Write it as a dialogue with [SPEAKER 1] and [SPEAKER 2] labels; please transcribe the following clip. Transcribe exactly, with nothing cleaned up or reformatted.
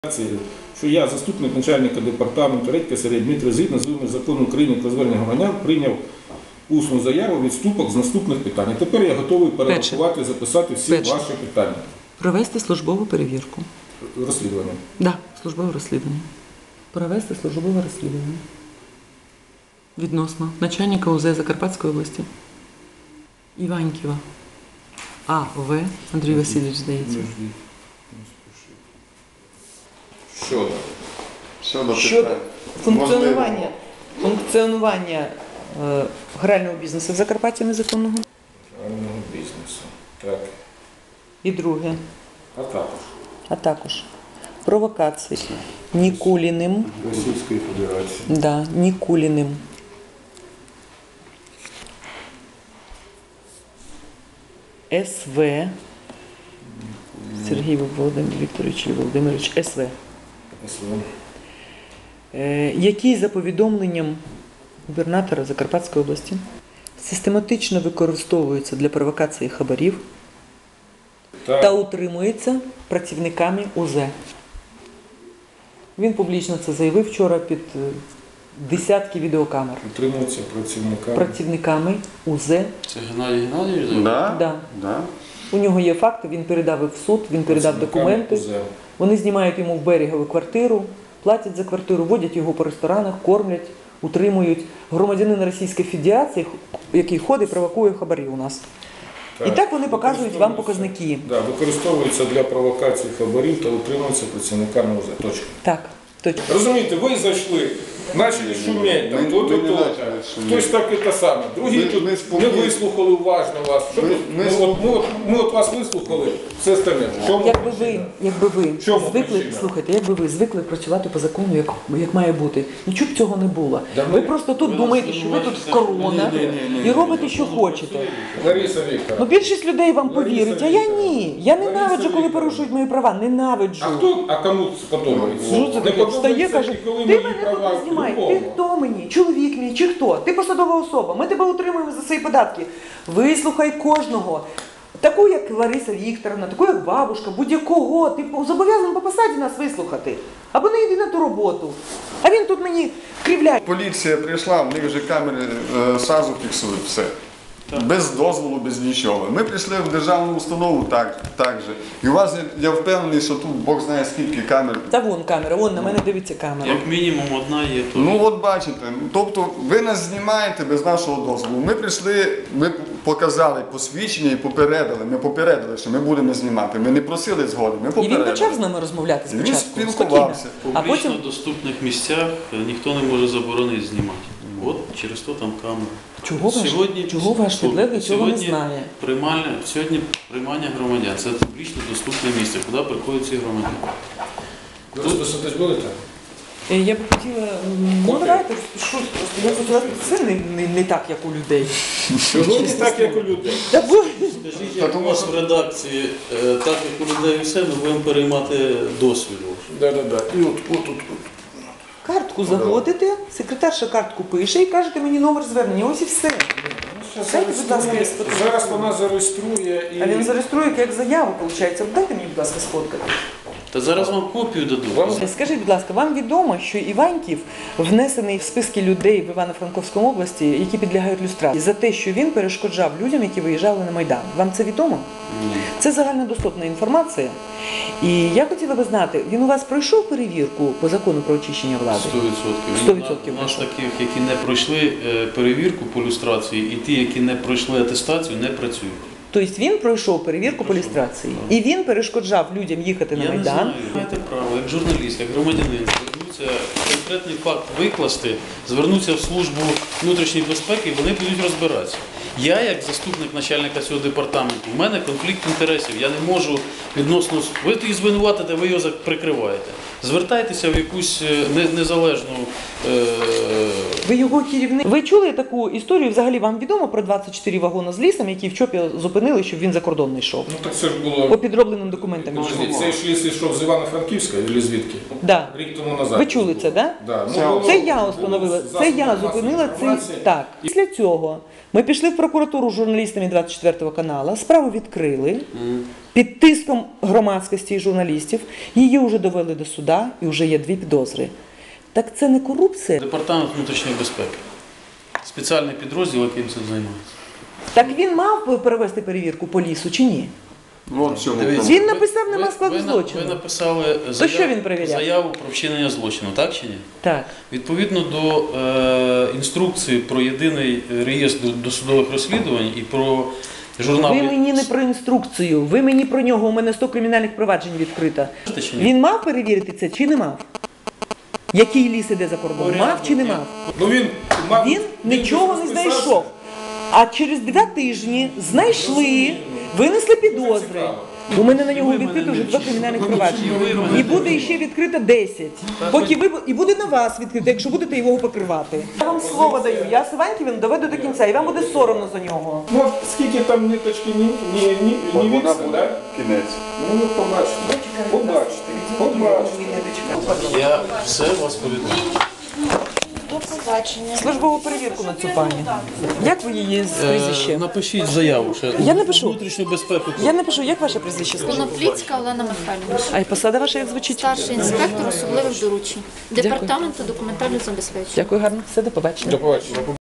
[SPEAKER 1] Що я, заступник начальника департаменту Редька Сергій Дмитро, згідно з вимогами закону України про звернення громадян, прийняв усну заяву відступок з наступних питань. Тепер я готовий перерахувати, записати всі
[SPEAKER 2] Перше.
[SPEAKER 1] ваші питання.
[SPEAKER 2] Провести службову перевірку.
[SPEAKER 1] Розслідування.
[SPEAKER 2] Так, да, службове розслідування. Провести службове розслідування. Відносно начальника УЗ Закарпатської області. Іваньківа. А. В. Андрій Васильович, здається.
[SPEAKER 1] Щодо.
[SPEAKER 3] Щодо,
[SPEAKER 4] Щодо
[SPEAKER 3] питань.
[SPEAKER 4] функціонування, функціонування е, грального бізнесу в Закарпатті незаконного.
[SPEAKER 1] Грального бізнесу. Так.
[SPEAKER 4] І друге,
[SPEAKER 1] А також.
[SPEAKER 4] а також провокації Нікуліним,
[SPEAKER 1] Російської Федерації.
[SPEAKER 4] да, Нікуліним, СВ, Сергій Володимир Вікторович Володимирович, СВ,
[SPEAKER 1] СВ.
[SPEAKER 4] е, який за повідомленням губернатора Закарпатської області систематично використовується для провокації хабарів
[SPEAKER 1] Так.
[SPEAKER 4] та утримується працівниками УЗ. Він публічно це заявив вчора під е, десятки відеокамер.
[SPEAKER 1] Утримуються працівниками.
[SPEAKER 4] Працівниками УЗ.
[SPEAKER 5] Це Геннадій Геннадійович?
[SPEAKER 3] Да?
[SPEAKER 4] Да.
[SPEAKER 3] Да.
[SPEAKER 4] У нього є факти, він передав їх в суд, він передав
[SPEAKER 1] Працівниками
[SPEAKER 4] документи.
[SPEAKER 1] УЗ.
[SPEAKER 4] Вони знімають йому в берегову квартиру, платять за квартиру, водять його по ресторанах, кормлять, утримують. Громадянин Російської Федерації, який ходить, провокує хабарі у нас. І так вони показують вам показники.
[SPEAKER 1] Да, використовуються для провокації хабарів та утримуються працівниками УЗ. Точка.
[SPEAKER 4] Так, точно.
[SPEAKER 1] Розумієте, ви зайшли, почали шуміти, там,
[SPEAKER 3] Ми-
[SPEAKER 1] то,
[SPEAKER 3] ми
[SPEAKER 1] то,
[SPEAKER 3] не
[SPEAKER 1] то.
[SPEAKER 3] почали шуміти.
[SPEAKER 1] Хтось так і те саме. Другі
[SPEAKER 3] Ми-
[SPEAKER 1] тут
[SPEAKER 3] ми
[SPEAKER 1] не
[SPEAKER 3] спокійно.
[SPEAKER 1] вислухали уважно вас. Що
[SPEAKER 3] Ми-
[SPEAKER 1] тут?
[SPEAKER 3] ми
[SPEAKER 1] Ми, от, ми, от, ми от вас вислухали, все остальне. В чому
[SPEAKER 4] Якби ви,
[SPEAKER 1] причина?
[SPEAKER 4] якби ви
[SPEAKER 1] чому
[SPEAKER 4] звикли,
[SPEAKER 1] причина?
[SPEAKER 4] слухайте, якби ви звикли працювати по закону, як, як має бути, нічого б цього не було.
[SPEAKER 1] Да
[SPEAKER 4] ви
[SPEAKER 1] ми-
[SPEAKER 4] просто тут
[SPEAKER 5] ви
[SPEAKER 4] думаєте,
[SPEAKER 5] нас
[SPEAKER 4] що ви тут
[SPEAKER 5] звинувачуєте.
[SPEAKER 4] корона
[SPEAKER 5] Ні, ні, ні, ні,
[SPEAKER 4] і робите, що хочете.
[SPEAKER 1] Лариса
[SPEAKER 4] Ну,
[SPEAKER 1] Вікторовна.
[SPEAKER 4] більшість людей вам
[SPEAKER 1] Лариса
[SPEAKER 4] повірить, а я
[SPEAKER 1] Вікторівна.
[SPEAKER 4] ні. Я
[SPEAKER 1] Лариса
[SPEAKER 4] ненавиджу, коли
[SPEAKER 1] Вікторівна.
[SPEAKER 4] порушують мої права. Ненавиджу.
[SPEAKER 1] А хто, а кому сподобається?
[SPEAKER 4] Що це
[SPEAKER 1] Не
[SPEAKER 4] таке? Встає,
[SPEAKER 1] подобається,
[SPEAKER 4] каже,
[SPEAKER 1] і коли
[SPEAKER 4] ти
[SPEAKER 1] мої
[SPEAKER 4] мене
[SPEAKER 1] права
[SPEAKER 4] тут не знімай, ти
[SPEAKER 1] любому.
[SPEAKER 4] хто мені? Чоловік мій чи хто? Ти посадова особа, ми тебе утримуємо за свої податки. Вислухай кожного. Таку, як Лариса Вікторовна, таку, як бабушка, будь-якого. Ти зобов'язаний по посаді нас вислухати. Або не йди на ту роботу. А він тут мені кривляє.
[SPEAKER 3] Поліція прийшла, в них вже камери е, сразу фіксують все. Без дозволу, без нічого. Ми прийшли в державну установу так, так же. І у вас, я впевнений, що тут Бог знає скільки камер.
[SPEAKER 4] Та вон камера, вон на мене дивиться камера.
[SPEAKER 5] Як мінімум одна є то.
[SPEAKER 3] Ну от бачите, тобто ви нас знімаєте без нашого дозволу. Ми прийшли, ми показали посвідчення і попередили. Ми попередили, що ми будемо знімати. Ми не просили згоди, ми
[SPEAKER 4] І
[SPEAKER 3] попередили.
[SPEAKER 4] він почав з нами розмовляти
[SPEAKER 3] І він
[SPEAKER 4] спочатку.
[SPEAKER 3] спілкувався.
[SPEAKER 4] Спокійно. А
[SPEAKER 5] Публічно
[SPEAKER 4] потім,
[SPEAKER 5] доступних місцях ніхто не може заборонити знімати. От через то там камера.
[SPEAKER 4] чого ваш,
[SPEAKER 5] Сьогодні-
[SPEAKER 4] чого ваш підлеглий цього не
[SPEAKER 5] сьогодні
[SPEAKER 4] знає?
[SPEAKER 5] Приймальне, сьогодні приймання громадян. Це публічно доступне місце, куди приходять ці громадяни.
[SPEAKER 1] Ви розписатись будете?
[SPEAKER 4] Е, Я б хотіла, м, ну давайте, що, просто я хотіла, це не, не, не так, як у людей.
[SPEAKER 1] Чого не так, як у людей?
[SPEAKER 4] Та бо-
[SPEAKER 5] Скажіть, як у вас в редакції, е, так як у людей і все, ми будемо переймати досвід.
[SPEAKER 1] Да, да, да. І от, от, от, от.
[SPEAKER 4] Картку заводите, секретарша картку пише і кажете мені номер звернення, ось і все. Дайте, будь ласка, я сфоткаю.
[SPEAKER 1] Зараз вона зареєструє і...
[SPEAKER 4] А він зареєструє як заяву, виходить. Дайте мені, будь ласка, сфоткати.
[SPEAKER 5] Та зараз вам копію дадуть.
[SPEAKER 1] Вам-
[SPEAKER 4] Скажіть, будь ласка, вам відомо, що Іваньків внесений в списки людей в Івано-Франковському області, які підлягають люстрації, за те, що він перешкоджав людям, які виїжджали на Майдан. Вам це відомо?
[SPEAKER 5] Ні.
[SPEAKER 4] Це загальнодоступна інформація. І я хотіла би знати, він у вас пройшов перевірку по закону про очищення влади?
[SPEAKER 5] Сто відсотків.
[SPEAKER 4] Сто відсотків
[SPEAKER 5] У нас
[SPEAKER 4] пройшов.
[SPEAKER 5] таких, які не пройшли е, перевірку по люстрації, і ті, які не пройшли атестацію, не працюють.
[SPEAKER 4] Тобто він пройшов перевірку по
[SPEAKER 5] Пройшов.
[SPEAKER 4] люстрації. І він перешкоджав людям їхати на
[SPEAKER 5] Я не
[SPEAKER 4] Майдан.
[SPEAKER 5] знаю, маєте право, як журналіст, як громадянин, звернуться, конкретний факт викласти, звернуться в службу внутрішньої безпеки, і вони будуть розбиратися. Я, як заступник начальника цього департаменту, у мене конфлікт інтересів. Я не можу відносно... Ви їх звинуватите, ви його прикриваєте. Звертайтеся в якусь е, не- незалежну... Е...
[SPEAKER 4] Ви його керівник. Ви чули таку історію? Взагалі вам відомо про двадцять чотири вагони з лісом, які в ЧОПі зупинили, щоб він за кордон не йшов?
[SPEAKER 1] Ну так це ж було...
[SPEAKER 4] По підробленим документам.
[SPEAKER 1] Подожди, цей ж ліс йшов з Івано-Франківська, чи звідки?
[SPEAKER 4] Да.
[SPEAKER 1] Рік тому назад.
[SPEAKER 4] Ви чули це, так?
[SPEAKER 1] Да. Ну,
[SPEAKER 3] Це-
[SPEAKER 1] було-
[SPEAKER 4] Це я
[SPEAKER 1] було
[SPEAKER 4] установила,
[SPEAKER 1] засоби
[SPEAKER 4] це я
[SPEAKER 1] масової
[SPEAKER 4] зупинила цей.
[SPEAKER 1] інформації.
[SPEAKER 4] Так. Після цього ми пішли в прокуратуру з журналістами двадцять четвертого каналу, справу відкрили під тиском громадськості і журналістів, її вже довели до суда і вже є дві підозри. Так це не корупція?
[SPEAKER 5] Департамент внутрішньої безпеки. Спеціальний підрозділ, яким цим займається.
[SPEAKER 4] Так він мав перевести перевірку по лісу чи ні?
[SPEAKER 3] Вон в чому
[SPEAKER 5] Дивіться.
[SPEAKER 3] проблема.
[SPEAKER 4] Він написав, нема
[SPEAKER 5] Ви-
[SPEAKER 4] складу
[SPEAKER 5] ви на-
[SPEAKER 4] злочину.
[SPEAKER 5] Ви написали заяву,
[SPEAKER 4] що він перевіряв?
[SPEAKER 5] заяву про вчинення злочину, так чи ні?
[SPEAKER 4] Так.
[SPEAKER 5] Відповідно до е, інструкції про єдиний реєстр досудових розслідувань і про журнал.
[SPEAKER 4] Ви мені не про інструкцію, ви мені про нього, у мене сто кримінальних проваджень відкрито.
[SPEAKER 5] Чи ні?
[SPEAKER 4] Він мав перевірити це чи не мав? Який ліс іде за кордон? Мав чи не мав?
[SPEAKER 1] Ну він, мав,
[SPEAKER 4] Він нічого не
[SPEAKER 1] розписався.
[SPEAKER 4] знайшов. А через два тижні знайшли, винесли підозри. У мене на нього відкрито вже два кримінальних провадження. І буде ще відкрито десять. Поки ви і буде на вас відкрито, якщо будете його покривати. Я вам слово даю. Я Сиваньківну доведу до кінця, і вам буде соромно за нього.
[SPEAKER 1] Ну, от скільки там ниточки ні, ні, ні,
[SPEAKER 3] От
[SPEAKER 1] ні
[SPEAKER 3] вона
[SPEAKER 1] відстань,
[SPEAKER 3] буде
[SPEAKER 1] да?
[SPEAKER 3] кінець.
[SPEAKER 1] Ну, ви побачите. Побачите. Побачите.
[SPEAKER 5] Я все вас повідомлю.
[SPEAKER 6] До побачення.
[SPEAKER 4] Службову перевірку на цю пані. Як ви її з
[SPEAKER 5] Е,
[SPEAKER 4] прізвище?
[SPEAKER 5] Напишіть заяву. Ще.
[SPEAKER 4] Я напишу.
[SPEAKER 5] Внутрішню безпеку.
[SPEAKER 4] Я напишу, як ваше прізвище?
[SPEAKER 6] Конопліцька Олена Михайлівна.
[SPEAKER 4] А й посада ваша як звучить?
[SPEAKER 6] Старший інспектор особливих доручень. Департаменту документального забезпечення.
[SPEAKER 4] Дякую гарно. Все, до побачення.
[SPEAKER 1] До побачення.